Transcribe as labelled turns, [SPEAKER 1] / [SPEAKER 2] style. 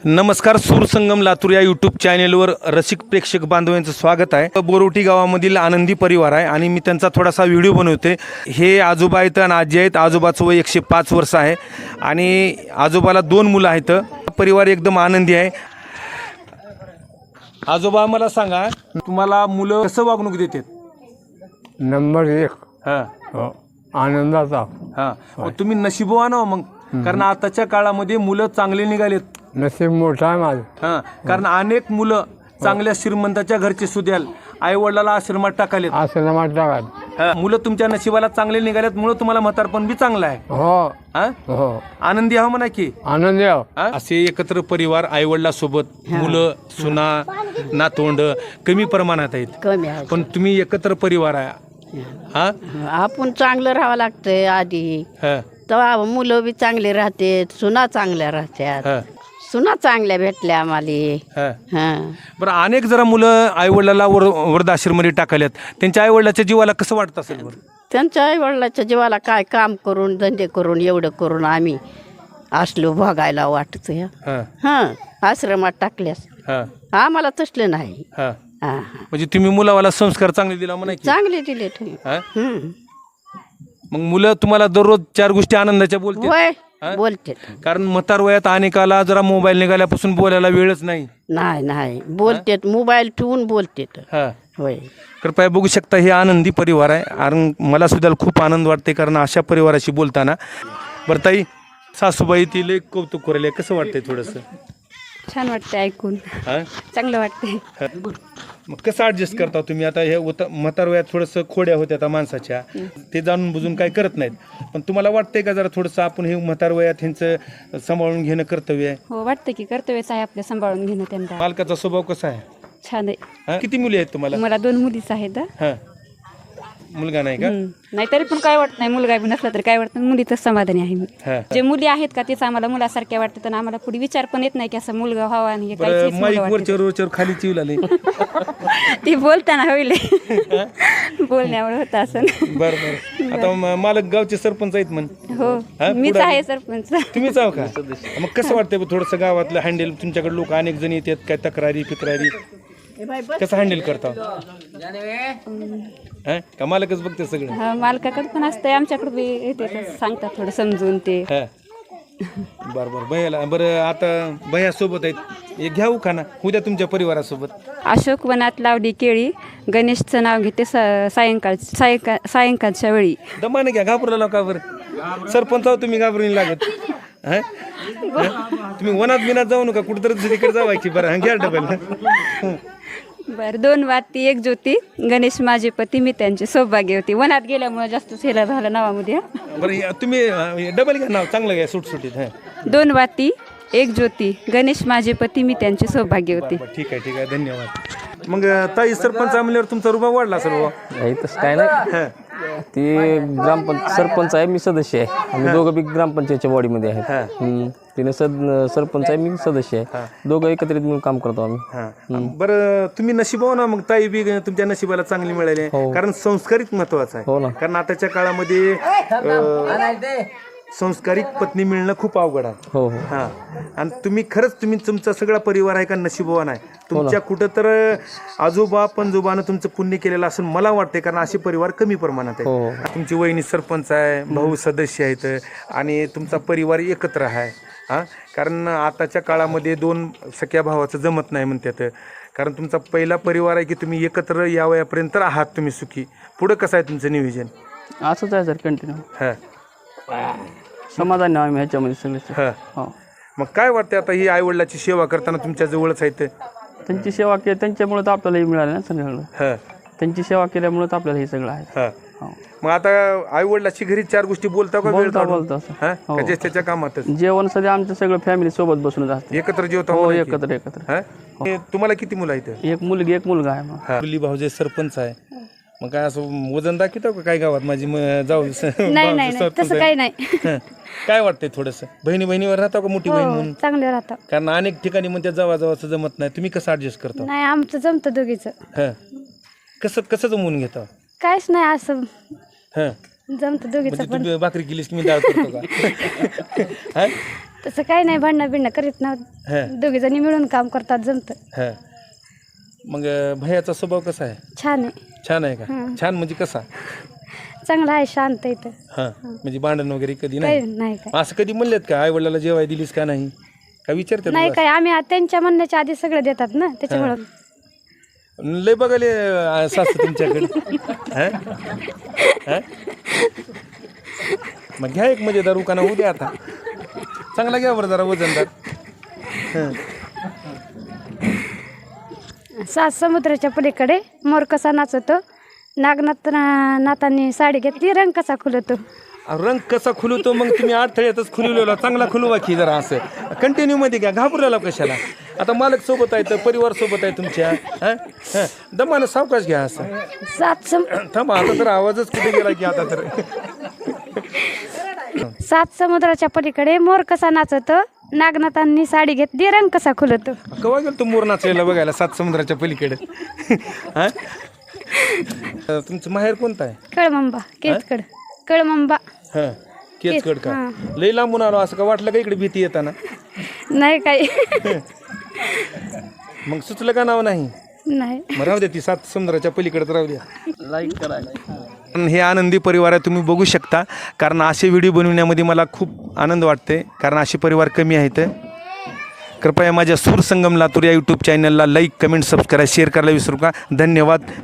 [SPEAKER 1] नमस्कार, सूरसंगम लातूर या यूट्यूब चॅनेलवर रसिक प्रेक्षक बांधवांचं स्वागत आहे। बोरोटी गावामधील आनंदी परिवार आहे आणि मी त्यांचा थोडासा व्हिडिओ बनवते। हे आजोबा आहेत आणि आजी आहेत। आजोबाचं वय 105 वर्ष आहे आणि आजोबाला 2 मुलं आहेत। परिवार एकदम आनंदी आहे। आजोबा मला सांगा, तुम्हाला मुलं कसं वागणूक देतात?
[SPEAKER 2] नंबर 1
[SPEAKER 1] हां
[SPEAKER 2] आनंदाचा।
[SPEAKER 1] हां, तुम्ही नशीबवान हो मग, कारण आताच्या काळामध्ये मुलं चांगले निघालेत।
[SPEAKER 2] नशीब मोठा आहे माझं।
[SPEAKER 1] हां, कारण अनेक मुलं चांगल्या श्रीमंताच्या घरचे सुद्याल आई वडिलाला आश्रमात टाकालेत।
[SPEAKER 2] आश्रमात टाका।
[SPEAKER 1] मुलं तुमच्या नशिबाला चांगले निघालेत, मुळे तुम्हाला म्हातारपण बी चांगलं आहे।
[SPEAKER 2] हो
[SPEAKER 1] हां,
[SPEAKER 2] हो
[SPEAKER 1] आनंदी आहो म्हणा की।
[SPEAKER 2] आनंदी आहो।
[SPEAKER 1] असे एकत्र परिवार आई वडिलांसोबत मुलं सुना नातवंड कमी प्रमाणात आहेत,
[SPEAKER 3] कमी आहे
[SPEAKER 1] पण तुम्ही एकत्र परिवार आहे। हां
[SPEAKER 3] आपण चांगलं राहावं लागतंय आधी,
[SPEAKER 1] हां
[SPEAKER 3] तेव्हा मुलं बी चांगले राहते, सुना चांगल्या राहत्यात।
[SPEAKER 1] हां
[SPEAKER 3] सुना चांगल्या भेटल्या आम्हाला।
[SPEAKER 1] हां
[SPEAKER 3] हां,
[SPEAKER 1] बरं, अनेक जरा मुलं आई वडिलाला वृद्धाश्रममध्ये टाकल्यात, त्यांच्या आई वडिलाच्या जीवाला कसं वाटतं असेल बरं?
[SPEAKER 3] त्यांच्या आई वडिलाच्या जीवाला काय काम करून धंदे करून एवढं करून आम्ही असलो भोगायला वाटत।
[SPEAKER 1] हां
[SPEAKER 3] हां, आश्रमात टाकल्यास
[SPEAKER 1] हां
[SPEAKER 3] आम्हाला तसलं नाही।
[SPEAKER 1] हां,
[SPEAKER 3] हां,
[SPEAKER 1] म्हणजे तुम्ही मुलावाला संस्कार चांगले दिला म्हणा की।
[SPEAKER 3] चांगले दिले तुम्ही।
[SPEAKER 1] हां, मग मुलं तुम्हाला दररोज 4 गोष्टी आनंदाच्या बोलते,
[SPEAKER 3] होय, बोलते।
[SPEAKER 1] कारण म्हातार वयात अनेकाला जरा मोबाईल निघाल्यापासून बोलायला वेळच नाही।
[SPEAKER 3] नाही नाही बोलतेत, मोबाईल ठेवून बोलतेत।
[SPEAKER 1] हां,
[SPEAKER 3] होय,
[SPEAKER 1] कृपया बघू शकता, हे आनंदी परिवार आहे आणि मला सुद्धा खूप आनंद वाटते कारण अशा परिवाराशी बोलताना। बरं ताई, सासूबाई ती लय कौतुक करायला, कसं वाटतंय थोडंसं?
[SPEAKER 4] छान वाटते ऐकून,
[SPEAKER 1] हां,
[SPEAKER 4] चांगलं वाटते।
[SPEAKER 1] मग कसं ॲडजस्ट करता तुम्ही? आता हे म्हातार वयात थोडंसं खोड्या होत्या आता माणसाच्या, ते जाणून बुजून काय करत नाहीत, पण तुम्हाला वाटतंय का जरा थोडंसं आपण हे म्हातार वयात ह्यांचं सांभाळून घेणं कर्तव्य आहे?
[SPEAKER 4] हो, वाटतं की कर्तव्यच आहे आपल्या सांभाळून घेणं त्यांना।
[SPEAKER 1] मालकाचा स्वभाव कसा आहे?
[SPEAKER 4] छान आहे।
[SPEAKER 1] हां, किती मुली आहेत तुम्हाला?
[SPEAKER 4] मला 2 मुलीच आहेत।
[SPEAKER 1] हां, मुलगा नाही का?
[SPEAKER 4] नाही तरी पण काय वाटत नाही, मुलगा बी नसला तरी काय वाटत नाही, मुलीतच समाधानी आहे मी।
[SPEAKER 1] हां,
[SPEAKER 4] जे मुली आहेत का तेच आम्हाला मुलासारख्या वाटतात आणि आम्हाला पुढे विचार पण येत नाही की असं मुलगा व्हावा आणि हे
[SPEAKER 1] बरं,
[SPEAKER 4] काहीच
[SPEAKER 1] माईक
[SPEAKER 4] मला
[SPEAKER 1] वरच्यावर वरच्यावर खाली चिवला नाही?
[SPEAKER 4] वाटतं। ती बोलताना होईल बोलण्यामुळे होतं असं।
[SPEAKER 1] बरं बरं, आता मालक गावचे सरपंच आहेत म्हण?
[SPEAKER 4] हो,
[SPEAKER 1] हां,
[SPEAKER 4] मीच
[SPEAKER 1] पुढं
[SPEAKER 4] आहे सरपंच।
[SPEAKER 1] तुम्हीच आहो का? मग कसं वाटतंय थोडंसं गावातलं हँडल? तुमच्याकडे लोक अनेक जण येतात, काय तक्रारी फिक्रारी कसं हँडल करता? हां, का मालकच बघते सगळं?
[SPEAKER 4] हा, मालकाकडे पण असतंय, आमच्याकडे बी येते, सांगतात थोडं समजून ते।
[SPEAKER 1] हां, बरं बरं, भैयाला बरं, आता भैया सोबत आहेत, एक घ्याऊ का ना उद्या तुमच्या परिवारासोबत?
[SPEAKER 4] अशोक वनात लावली केळी, गणेशचं नाव घेते सायंकाळच्या वेळी।
[SPEAKER 1] दमाने घ्या, घाबरला का बरं? सरपंच आहो तुम्ही, घाबरून लागत? हां, तुम्ही वनात बिनात जाऊ नका, कुठंतरी तिकडे जावायची। बरं, हां, घ्या डबल।
[SPEAKER 4] बरं, 2 वाती 1 ज्योती, गणेश माझे पती मी त्यांचे सौभाग्य होती। वनात गेल्यामुळे जास्त हेला झालं नावामध्ये।
[SPEAKER 1] बरं, तुम्ही डबल घ्या, नाव चांगलं घ्या, सुटसुटीत। हां,
[SPEAKER 4] 2 वाती 1 ज्योती, गणेश माझे पती मी त्यांचे सौभाग्य होते।
[SPEAKER 1] बरं, ठीक आहे ठीक आहे, धन्यवाद। मग ताई, सरपंच म्हणल्यावर तुमचा रुबाब वाढला सर्व?
[SPEAKER 5] नाही तसं काय नाही, ती सरपंच आहे, मी सदस्य आहे। आम्ही दोघं बी ग्रामपंचायतच्या बॉडीमध्ये आहेत। तिने सरपंच आहे, मी सदस्य आहे, दोघं एकत्रित मिळून काम करतो आम्ही।
[SPEAKER 1] हां, बरं, तुम्ही नशिबाव ना मग, ताई बी तुमच्या नशिबाला चांगली मिळाली, कारण संस्कारित महत्वाचं
[SPEAKER 5] हो
[SPEAKER 1] आहे।
[SPEAKER 5] ना.
[SPEAKER 1] कारण आताच्या काळामध्ये संस्कारित पत्नी मिळणं खूप अवघड आहे।
[SPEAKER 5] हो हो,
[SPEAKER 1] हां, आणि तुम्ही खरंच, तुमचा सगळा परिवार आहे का नशिबवान आहे? तुमच्या कुठं तर आजोबा पणजोबानं तुमचं पुण्य केलेलं असं मला वाटते, कारण असे परिवार कमी प्रमाणात आहे। तुमची वहिनी सरपंच आहे, भाऊ सदस्य आहेत आणि तुमचा परिवार एकत्र आहे। हां, कारण आताच्या काळामध्ये 2 सख्या भावाचं जमत नाही म्हणतात, कारण तुमचा पहिला परिवार आहे की तुम्ही एकत्र या वयापर्यंत आहात तुम्ही सुखी। पुढं कसं आहे तुमचं नियोजन?
[SPEAKER 5] असंच आहे सर, कंटिन्यू
[SPEAKER 1] हां
[SPEAKER 5] समाधान आम्ही ह्याच्यामध्ये सगळे।
[SPEAKER 1] हां,
[SPEAKER 5] हो,
[SPEAKER 1] मग काय वाटते आता ही आईवडिलाची सेवा करताना तुमच्या जवळच आहेत?
[SPEAKER 5] त्यांची सेवा केली, त्यांच्यामुळे तर आपल्याला हे मिळालं ना सगळं।
[SPEAKER 1] हां
[SPEAKER 5] त्यांची सेवा केल्यामुळे तर आपल्याला हे सगळं आहे।
[SPEAKER 1] हां,
[SPEAKER 5] हो,
[SPEAKER 1] मग आता आईवडिलाची घरी 4 गोष्टी बोलता का?
[SPEAKER 5] बोलतो असं।
[SPEAKER 1] हां, का जे त्याच्या कामातच
[SPEAKER 5] जेवण सध्या आमचं सगळं फॅमिली सोबत बसूनच असतं।
[SPEAKER 1] एकत्र जेवता?
[SPEAKER 5] हो,
[SPEAKER 1] म्हणा की?
[SPEAKER 5] एकत्र।
[SPEAKER 1] हां, तुम्हाला किती मुलं आहेत?
[SPEAKER 5] 1 मुलगी 1 मुलगा आहे मग।
[SPEAKER 1] मुली भाऊजे सरपंच आहे, मग काय असं वजन दाखवतो का काय गावात माझी जाऊ?
[SPEAKER 4] नाही नाही, तसं काही नाही।
[SPEAKER 1] काय वाटतंय थोडंसं? बहिणीवर राहता का मोठी बहीण म्हणून?
[SPEAKER 4] चांगले राहतात।
[SPEAKER 1] कारण अनेक ठिकाणी म्हणते जावाचं जमत नाही, तुम्ही कसं ऍडजस्ट करता?
[SPEAKER 4] नाही, आमचं जमतं दोघीचं।
[SPEAKER 1] हां, कसं जमवून घेता?
[SPEAKER 4] काहीच नाही, असं
[SPEAKER 1] हां,
[SPEAKER 4] जमतं दोघीचं
[SPEAKER 1] म्हणजे तू भाकरी केलीस की मी डाळ करतो का? हां,
[SPEAKER 6] तसं काही नाही, भांडणं बिडणं करीत
[SPEAKER 1] हा.
[SPEAKER 6] नव्हतं. दोघी जणी मिळून काम करतात, जमतं.
[SPEAKER 1] हा. मग भैयाचा स्वभाव कसा आहे?
[SPEAKER 6] छान आहे,
[SPEAKER 1] छान आहे का? छान म्हणजे कसा?
[SPEAKER 6] चांगला आहे, शांत आहे इथं.
[SPEAKER 1] हा म्हणजे भांडण वगैरे कधी
[SPEAKER 6] काही
[SPEAKER 1] नाही?
[SPEAKER 6] नाही काय
[SPEAKER 1] असं कधी म्हणलेत का आई वडिलाला जेवाय दिलीस का नाही? का विचारतात
[SPEAKER 6] नाही
[SPEAKER 1] तुला?
[SPEAKER 6] काय, आम्ही त्यांच्या म्हणण्याच्या आधी सगळं देतात ना, त्याच्यामुळं
[SPEAKER 1] लय बघाले सासू तुमच्याकडे. हा? हा? मग घ्या एक मजेदार उकाना होऊ द्या आता. चांगला घ्या बरं जरा वजनदार. हं.
[SPEAKER 6] सात समुद्राच्या पलीकडे मोर कसा नाचतो, नाथांनी साडी घेतली, रंग कसा खुलतो.
[SPEAKER 1] रंग कसा खुलवतो? मग तुम्ही अडथळ्यातच खुलवलेला, चांगला खुलवा की जरा असं कंटिन्यू मध्ये घ्या, घाबरलेला कशाला? आता मालक सोबत आहे तर परिवार सोबत आहे तुमच्या. दमानं सावकाश घ्या असं. थांबा आता तर आवाजच कुठे गेला की आता तर.
[SPEAKER 6] सात समुद्राच्या पलीकडे मोर कसा नाचतो, नागनाथांनी साडी घेतली, रंग कसा खुलतो.
[SPEAKER 1] केव्हा गेलो तू मोर नाचायला बघायला सात समुद्राच्या पलीकडे? हा? तुमचं माहेर कोणतं आहे?
[SPEAKER 6] कळमंबा, केतकड. कळमंबा.
[SPEAKER 1] हा केचकड का? लई लांबून आलो असं का वाटलं का इकडे भीती येताना?
[SPEAKER 6] नाही काही.
[SPEAKER 1] मग सुचलं का नाव नाही?
[SPEAKER 6] नाही.
[SPEAKER 1] मग राहू द्या, ती सात समुद्राच्या पलीकडे राहू द्या. लाईक करा. हे आनंदी परिवार आहे, तुम्ही बघू शकता. कारण असे व्हिडिओ बनवण्यामध्ये मला खूप आनंद वाटते, कारण असे परिवार कमी आहेत. कृपया माझ्या सूर संगम लातूर या यूट्यूब चॅनलला लाईक, कमेंट, सबस्क्राईब, शेअर करायला विसरू का. धन्यवाद.